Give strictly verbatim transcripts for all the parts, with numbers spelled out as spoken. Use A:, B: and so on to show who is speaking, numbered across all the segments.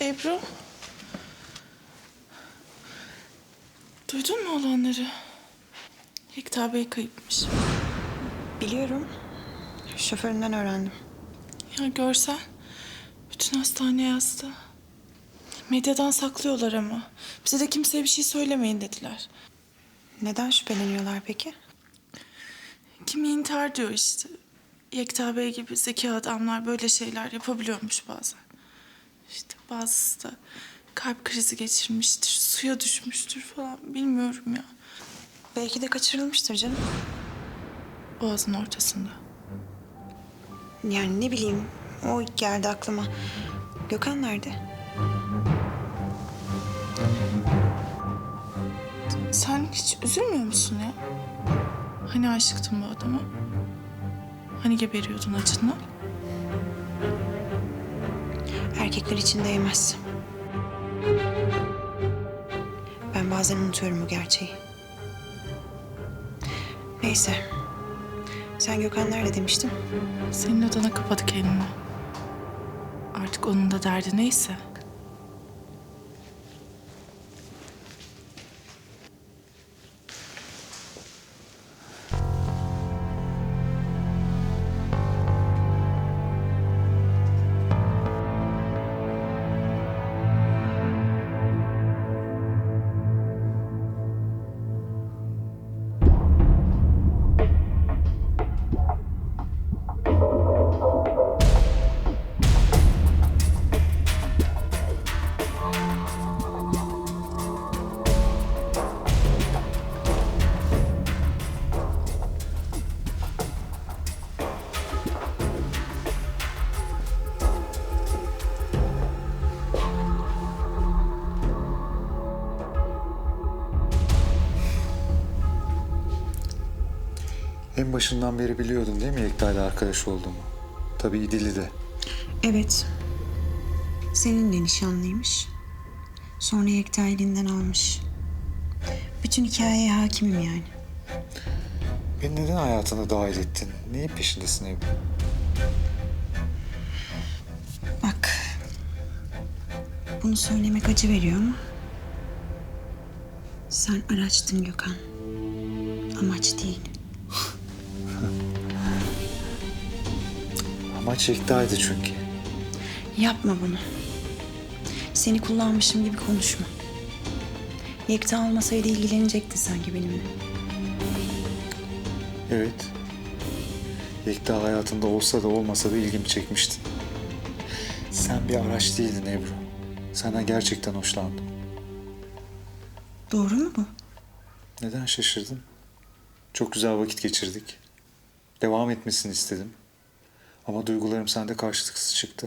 A: Ebru. Duydun mu olanları? Yekta Bey kayıpmış.
B: Biliyorum. Şoföründen öğrendim.
A: Ya görsen. Bütün hastane yazdı. Medyadan saklıyorlar ama. Bize de kimseye bir şey söylemeyin dediler.
B: Neden şüpheleniyorlar peki?
A: Kimi intihar diyor işte. Yekta Bey gibi zeki adamlar böyle şeyler yapabiliyormuş bazen. İşte bazısı da kalp krizi geçirmiştir, suya düşmüştür falan bilmiyorum ya.
B: Belki de kaçırılmıştır canım.
A: Boğazın ortasında.
B: Yani ne bileyim, o geldi aklıma. Gökhan nerede?
A: Sen hiç üzülmüyor musun ya? Hani aşıktın bu adama? Hani geberiyordun acından?
B: Erkekler için değmez. Ben bazen unutuyorum bu gerçeği. Neyse. Sen Gökhan nerede demiştin?
A: Senin odana kapadı kendini. Artık onun da derdi neyse.
C: En başından beri biliyordun değil mi Yekta ile arkadaş olduğumu? Tabii İdil'i de.
B: Evet. Seninle nişanlıymış. Sonra Yekta elinden almış. Bütün hikayeye hakimim yani.
C: Beni neden hayatına dahil ettin? Neyin peşindesin Ebru?
B: Bak. Bunu söylemek acı veriyor ama... Sen araçtın Gökhan. Amaç değil.
C: Amaç Yekta'ydı çünkü.
B: Yapma bunu. Seni kullanmışım gibi konuşma. Yekta olmasaydı ilgilenecektin sanki benimle.
C: Evet. Yekta hayatında olsa da olmasa da ilgimi çekmiştin. Sen bir araç değildin Ebru. Senden gerçekten hoşlandım.
B: Doğru mu bu?
C: Neden şaşırdın? Çok güzel vakit geçirdik. Devam etmesini istedim. Ama duygularım sende karşılıksız çıktı.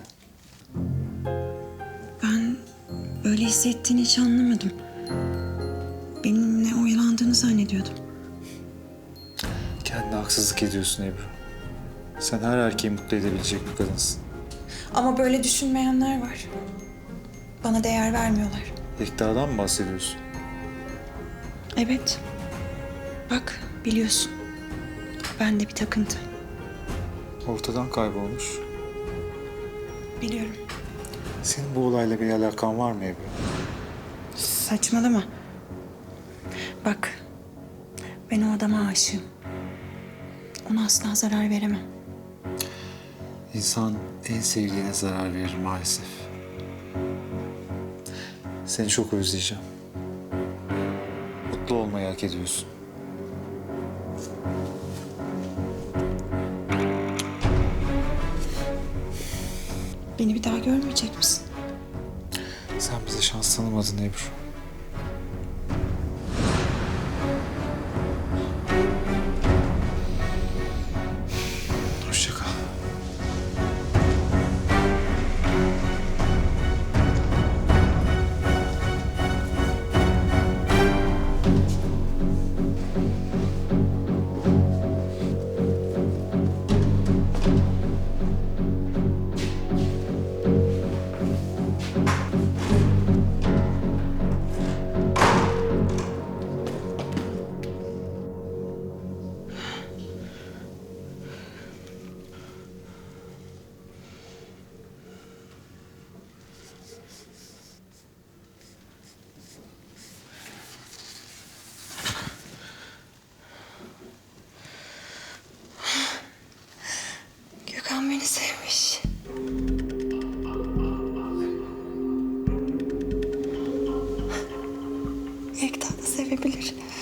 B: Ben öyle hissettiğini hiç anlamadım. Benimle oyalandığını zannediyordum.
C: Kendine haksızlık ediyorsun Ebru. Sen her erkeği mutlu edebilecek bir kadınsın.
B: Ama böyle düşünmeyenler var. Bana değer vermiyorlar.
C: Yekta'dan mı bahsediyorsun?
B: Evet. Bak biliyorsun. Ben de bir takıntı.
C: Ortadan kaybolmuş.
B: Biliyorum.
C: Senin bu olayla bir alakan var mı Ebru?
B: Saçmalama. Bak. Ben o adama aşığım. Ona asla zarar veremem.
C: İnsan en sevdiğine zarar verir maalesef. Seni çok özleyeceğim. Mutlu olmayı hak ediyorsun.
B: Beni bir daha görmeyecek misin?
C: Sen bize şans tanımadın Ebru. Hoşça kal.
D: var.